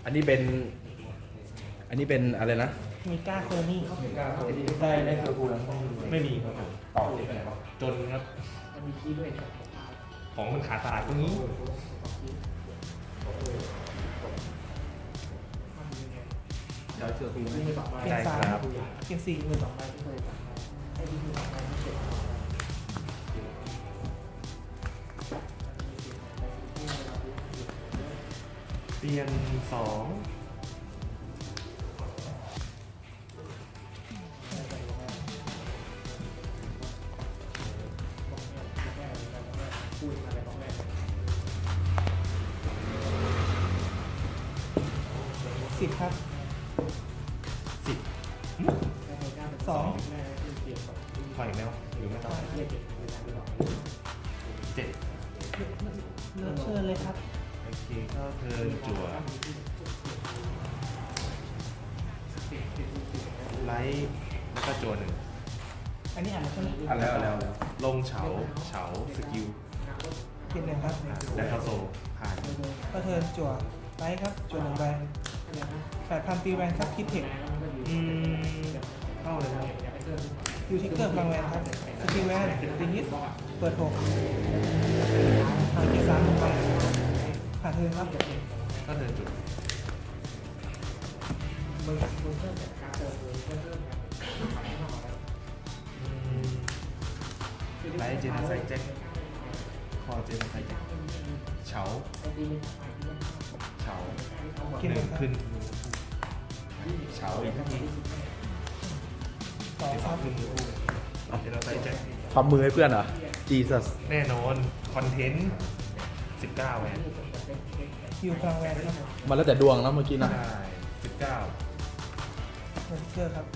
อันนี้เป็นอะไรนะมีก้าโคนี่ได้ได้คือพูดแล้วไม่มีครับผมต่อที่ไหนวะจนครับ ของมันขาดตลาดตรงนี้เดี๋ยวเชื่อคุณเกียได้ร์สามครับเกียร์สี่มือเปลี่ยนสองสิบครับสิบสองถอยอีกแล้วหรือไม่ต้องเจ็ดเลือกเชิญเลยครับโอเคก็เทิร์นจั่วไลท์แล้วก็จั่วหนึ่งอันนี้อ่านมาใช่ไหมอ่ะแล้วลงเฉาสกิลเปลี่ยนหนึ่งครับและเข้าโซผ่านก็เทิร์นจั่วไลท์ครับจั่วหนึ่งใบ8,000ตีแวนครับคิดเทคเข้าเลยครับยูทิกเกอร์พลังแวนครับสกิลแวนตีฮิตเปิด6ผ่านเกียร์สามลงไปผ่านเทิร์นครับก็เทิร์นจุดไลท์เจนไซแจ็คคอเจนไซแจ็คเฉาหนึ่งขึ้นเฉาอีกทีต่อที่คสอรังบขึ้นเจนไซแจ็คความมือให้เพื่อนเหรอ Jesus แน่นอน คอนเทนต์ 19แหวนยูพลังแวนครับมันแล้วแต่ดวงนะเมื่อกี้นะใช่19 ยูทิกเกอร์ครับ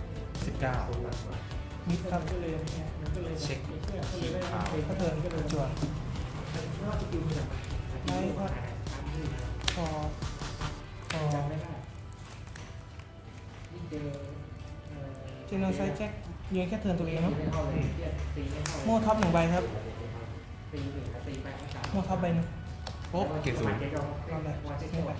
19 มิดครับเช็คคีย์พาวก็เทิร์นจั่วไลท์ครับพอเจนไซแจ็คยืนแค่เทิร์นตัวเองเนาะโม่ท็อปหนึ่งใบครับโม่ท็อปใบหนึงโป๊ะเกรดศูนย์เอาเลยนี่ไป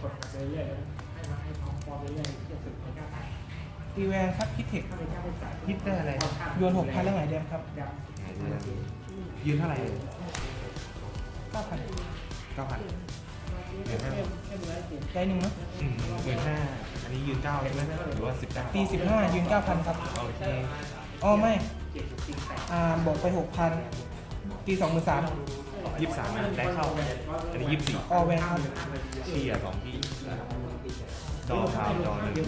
ตีแวนครับคิดเทคฮิตได้อะไรโยน6,000แล้วไงเดมครับยืนเท่าไหร่ 9,000 9,000เหลือ5 ได้หนึ่งเนาะ 15,000อันนี้ยืน9ใช่ไหมหรือว่า19 ตี15ยืน 9,000 ครับโอเคอ๋อไม่บอกไป 6,000 ตี23,000 23ได้เข้า อันนี้24 ออแวนครับเชียร์2ที่จอพาวจอหนึ่ง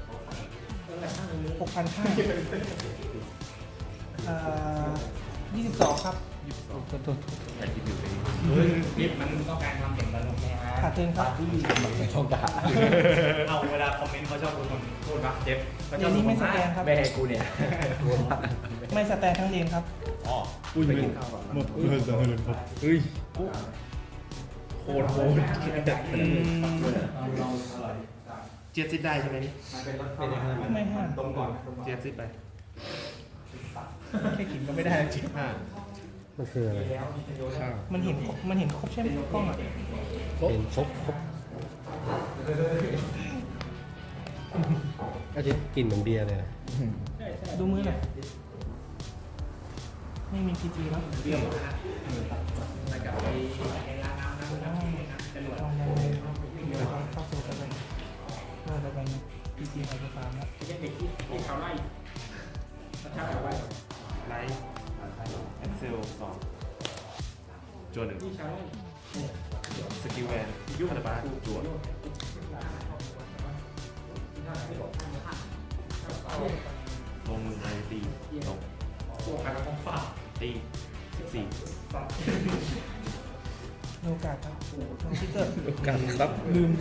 6,50022 ครับแต่คิดอยู่เองนี่มันต้องการความเห็นตลกใช่ไหมขาดเทินครับไม่ต้องการเอาเวลาคอมเมนต์เขาชอบคนพูดปะเจฟเดี๋ยวนี้ไม่สแกนครับไม่ให้กูเนี่ยไม่สแตนทั้งเลนครับอ๋ออุ้ยไปกินข้าวก่อนหมดเงินเลยครับเฮ้ยโคตรเจี๊ยบซิดได้ใช่ไหมนี่ไม่ห้ามเจี๊ยบซิดไปแค่กินก็ไม่ได้จริง 5 มันคืออะไรข้าวมันเห็นครบใช่ไหมกล้องอ่ะเป็นครบก็จะกลิ่นเหมือนเบียร์เลยนะดูมือหน่อยไม่มีพีจีแล้วเข้าโซ่กันไปเราจะไปพีจีไฮโปรฟาร์มแล้วไลท์แอ็กเซล2จวหนึ่งสกิลแวนคาราบาจวลงมือไปตีลงตี14 โอกาสครับน้องชิเตอร์กันครับลืม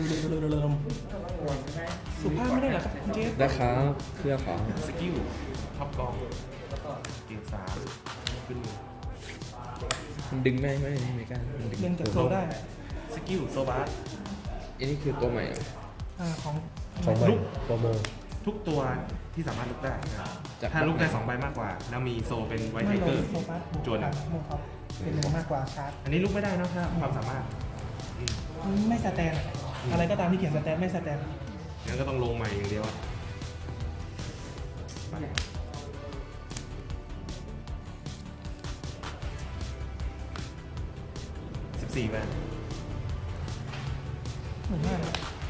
สุภาพไม่ได้เหรอครับคุณเจฟนะครับเครื่องของสกิลท็อปกองเกียร์3ขึ้นมือมันดึงไม่กล้ามันดึงเล่นจากโซได้สกิลโซบาสอันนี้คือตัวใหม่เหรอของของใหม่ตัวโมทุกตัวที่สามารถลุกได้นะครับจากถ้าลุกได้2ใบมากกว่า แล้วมีโซเป็นไวท์ไทไม่เกลอง ร์โซบัสจวนโมครับเป็นหนึ่งมากกว่าชาร์จอันนี้ลุกไม่ได้นะถ้าความสามารถไม่สแตนอะไรก็ตามที่เขียนสแตนไม่สแตนงั้นก็ต้องลงใหม่อย่างเดียวอะ14แวนเหมือนกัน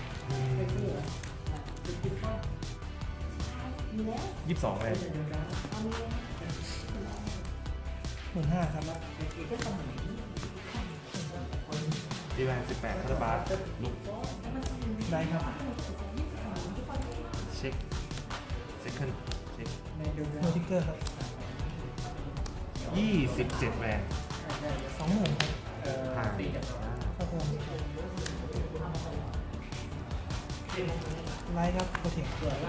22แวน 15,000ครับตีแวน18คาร์บาสลุกได้ครับเช็คเซคันด์เช็คโนทิกเกอร์ครับ 27แวน 20,000ครับผ่านครับผมไลท์ครับโปรเทค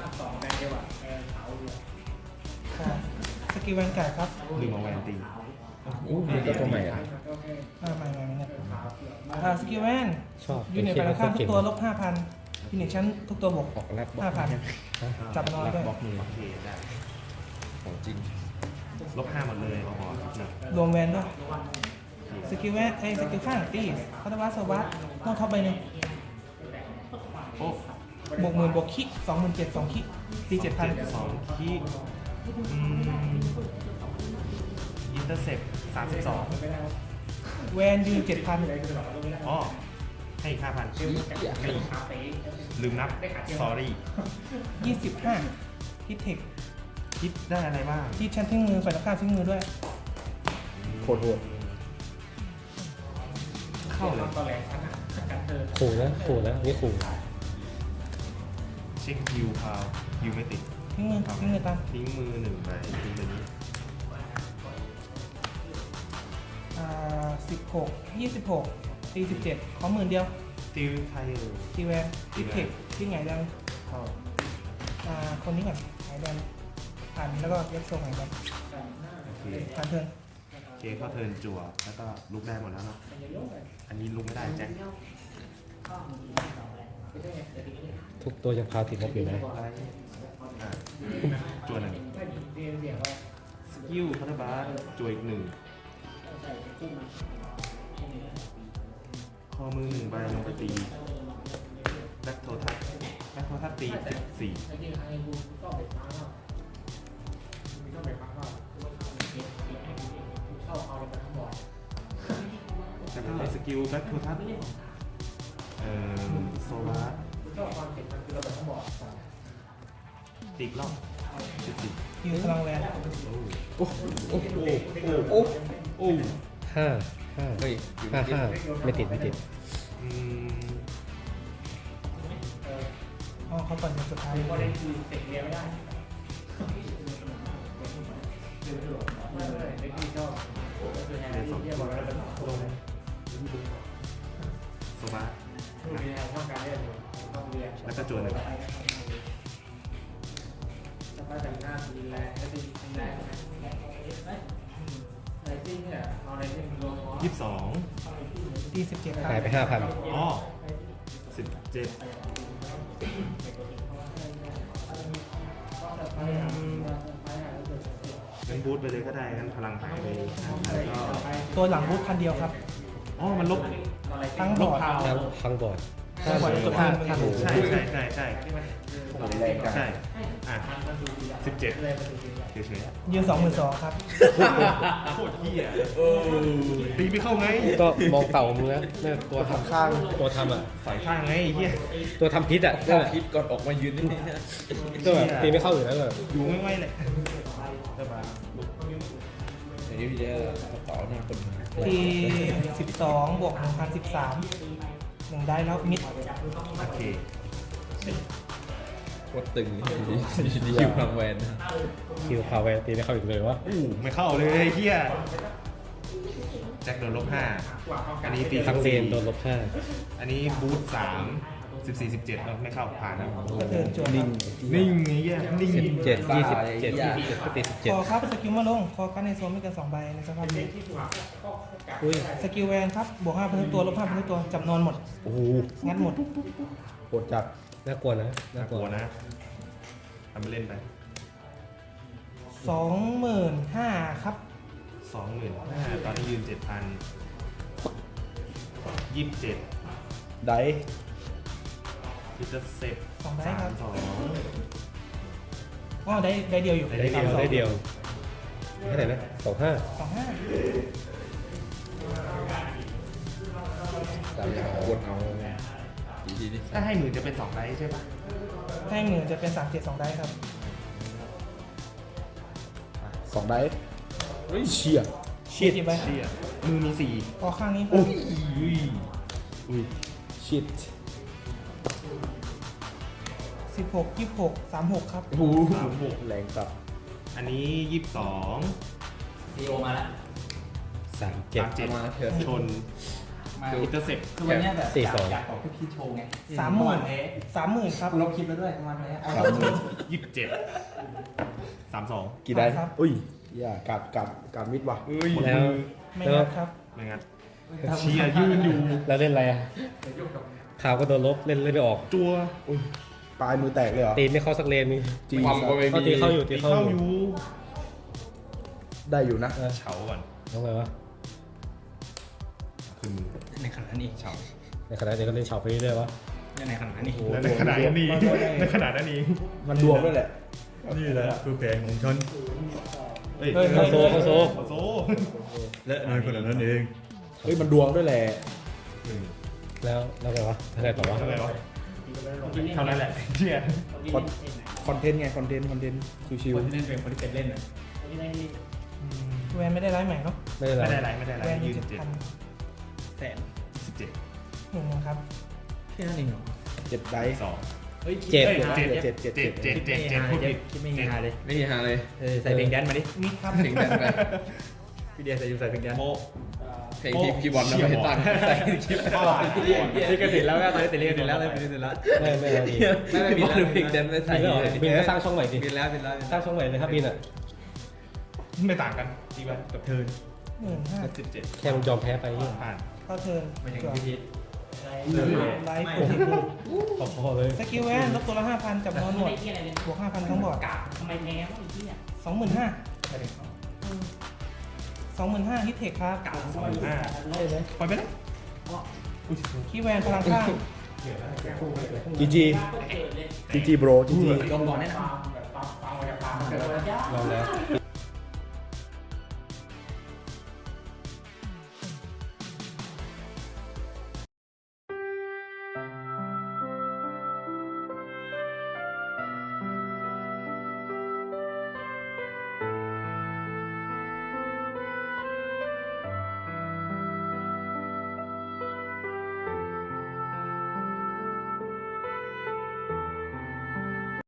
สกิลแวนการ์ดครับลืมเอาแวนตีอู้มีตัวใหม่อ่ะไม่เนี่ยสกิลแวนชอบยูนิตฝ่ายตรงข้ามทุกตัวลบ 5,000ยูนิตชั้นทุกตัวบวกออกแรกบล็อก 5,000 จับนอนด้วยบล็อกมือโอเคได้ของจริงลบ5หมดเลยเอาหอหนึ่งรวมแวนด้วยสกิลแวนสกิลข้างตีพัตวัสโซบัสโน้ตท็อปใบหนึ่งโอ้บวกหมื่นบวกคิ27,000 2คิตี7,000 2คีอินเตอร์เซ็ป32 แวนยืน 7,000 อ๋อให้อีก5,000ลืมนับ sorry 25ฮิตเทคคิดได้อะไรบ้างที่ชั้นทิ้งมือฝ่ายตรงข้ามทิ้งมือด้วยโคตรโหดเข้าเลยขู่นะขู่นะนี่ขู่เช็คฮิวพาวฮิวไม่ติดทิ้งมือตามทิ้งมือ1ใบทิ้งใบนี้ 16 26ตี17ขอหมื่นเดียวติวไทยตีแวนฮิตเทคที่ไงดังเข้าคนนี้ก่อนไงดังผ่านแล้วก็เย็บโซ่ไงดังโอเคผ่านเทิร์นโอเคเข้าเทิร์นจั่วแล้วก็ลุกได้หมดแล้วเนาะอันนี้ลุกไม่ได้แจ็คทุกตัวยังพาติดลบอยู่นะอะไรอ่ะจั่ว1สกิลคาร์บาสจั่วอีก1คอมือ1ใบลงไปตีแบ็คโททัสตี14แล้วก็สกิลแบ็คโททัสโซลาร์ตีกรอบ14 ยืนพลังแวนโอ้โอ้โอ้โอ้โอ้ห้าไม่ติดไม่ติดอืมอ๋อเขาก่อนอย่างสุดท้ายในสองลงโซบาแล้วก็จวนหนึ่ง22 ตี17 หายไป 5,000 อ๋อ17งั้นบูทไปเลยก็ได้งั้นพลังหายไปแล้วก็ตัวหลังบูทคันเดียวครับอ๋อมันลบทั้งบลอบ ร์ดพาวทั้งบอร์ดทั้งบอร์ดตัวคืนมันใช่อ่ะ17เฉยยืน 22,000 ครับๆโคตรเหี้ยตีไม่เข้าไงก็มองเต่ามึงนะเนี่ยตัวทำข้างตัวทำอ่ะฝ่ายข้างไงไอ้เหี้ยตัวทำพิษอ่ะนั่นแหละคิดก่อนออกมายืนนี่นะก็แบบตีไม่เข้าอยู่แล้วแบบอยู่ไม่ไหวเลยสบายเดี๋ยวพี่เจอกระเป๋าเนี่ยคนตี12บวก1,013 1ได้แล้วมิดโอเคโคตรตึงคิวพลังแวนนะคิวพาแวนตีไม่เข้าอีกเลยวะไม่เข้าเลยไอ้เหี้ยแจ็คโดนลบ5อันนี้ตีทั้งเลนโดนลบอันนี้บูท3 14 17ไม่เข้าผ่านแล้วก็เทิร์นจวนนิ่งไอ้เหี้ยนิ่ง 5 17 27 ก็ตีคอครับสกิลมาลงคอกันในโซนไม่เกิน2ใบในสภาพนี้ 17อุ้ยสกิลแวนครับบวก5,000ทุกตัวลบ5,000ทุกตัวจับนอนหมดโอ้โหงัดหมดโหดจัดน่ากลัวนะน่าน่าก กลัลัววนะทำไปเล่นไป 25,000ครับ 25,000ตอนนี้ยืน 7,000 27 ได้อินเตอร์เซ็ปสองได้ครับสองอ๋อได้เดียวอยู่ได้เดียวได้เดียวเท่าไหร่นะ25 25 สามอย่างกดเอาดีดิถ้าให้หมื่นจะเป็น2ไลท์ใช่ปะให้หมื่นจะเป็น37 2ได้ครับ 2ได้เฮ้ยเชี่ยชิดกี่ใบเชี่ยมือมี4 พอข้างนี้อุ้ยอุ้ยชิด 16 26 36ครับโอ้โหแรงสับอันนี้22 ซีโอมาแล้ว 37 มาเถอะชนมาอินเตอร์เซ็ปคือวันเนี้ยแบบ 42 อยากบอกพี่พีชโชว์ไง 30,000 เอ๊ะ 30,000ครับกูลบคลิปแล้วด้วยประมาณนี้เอา 27 32 กี่ได้ครับอุ้ยอย่ากาดมิดว่ะแล้วไม่แล้วงัดครับไม่งั้นเชียร์ยืนอยู่แล้วเล่นอะไรอ่ะข่าวก็โดนลบเล่นไม่ออกจัวอุ้ยปลายมือแตกเลยเหรอตีไม่เข้าสักเลนนึงจีความก็ไม่มีตีเข้าอยู่ตีตีเข้าเข้าออยู่ ยู่ได้อยู่นะเฉาก่อนทำไมวะคือมือในขณะนี้เฉาในขณะเดียวกันเล่นเฉาไปเรื่อยๆวะในขณะนี้และในขนาดนี้ในขนาดนั้นเองมันดวงด้วยแหละนี่แหละคือแผงของฉันเฮ้ยเข้าโซเข้าโซโซและน้อยคนนั้นเองเฮ้ยมันดวงด้วยแหละแล้วไงวะอะไรต่อวะเท่าไหร่วะเท่านั้นแหละเชียร์คอนเทนต์ไงคอนเทนต์ชิวคนที่เล่นเป็นคนที่เป็นเล่นอ่ะแวนไม่ได้ไลฟ์ใหม่เนาะไม่ได้ไม่ได้ไรไรไม่ได้ไรแวนอยืยู่น7 7,000 แสน 17 หนึ่งครับแค่นั้นเองเหรอๆ7ได 2 เฮ้ยเจ็ด 7พูดผิดคิดไม่ฮาเลยไม่มีหาเลยใส่เพลงแดนมาดิมิดครับเพลงแดนไปพี่เดียใส่ยูใส่เพลงแดนโมเพลงที่พี่บอลเราไม่ให้ตั้งใส่คลิปนี่ก็ติดแล้วก็ตอนนี้ติดเรียนติดแล้วเลยติดแล้วไม่เอาดีไม่บินแล้วเพลงแดนไม่ใส่บินก็สร้างช่องใหม่ดิบินแล้วสร้างช่องใหม่เลยครับบินอ่ะไม่ต่างกันดีป่ะกับเทิร์น 15 17 แค่มึงยอมแพ้ไปเนี่ยผ่านเข้าเทิร์นไม่ใช่จวดพี่พีชไลฟ์โปรตีนพอเลยสกิลแวนลบตัวละ 5,000 จับนอนหมดบวก 5,000 ทั้งบอร์ดทำไมแพ้วะไอ้เหี้ย 25,000ฮิตเทคครับปล่อยไปแล้วคีย์แวนพลังข้างจีจีจีจีโบรจีจีลงก่อนแน่นอนลองแล้ว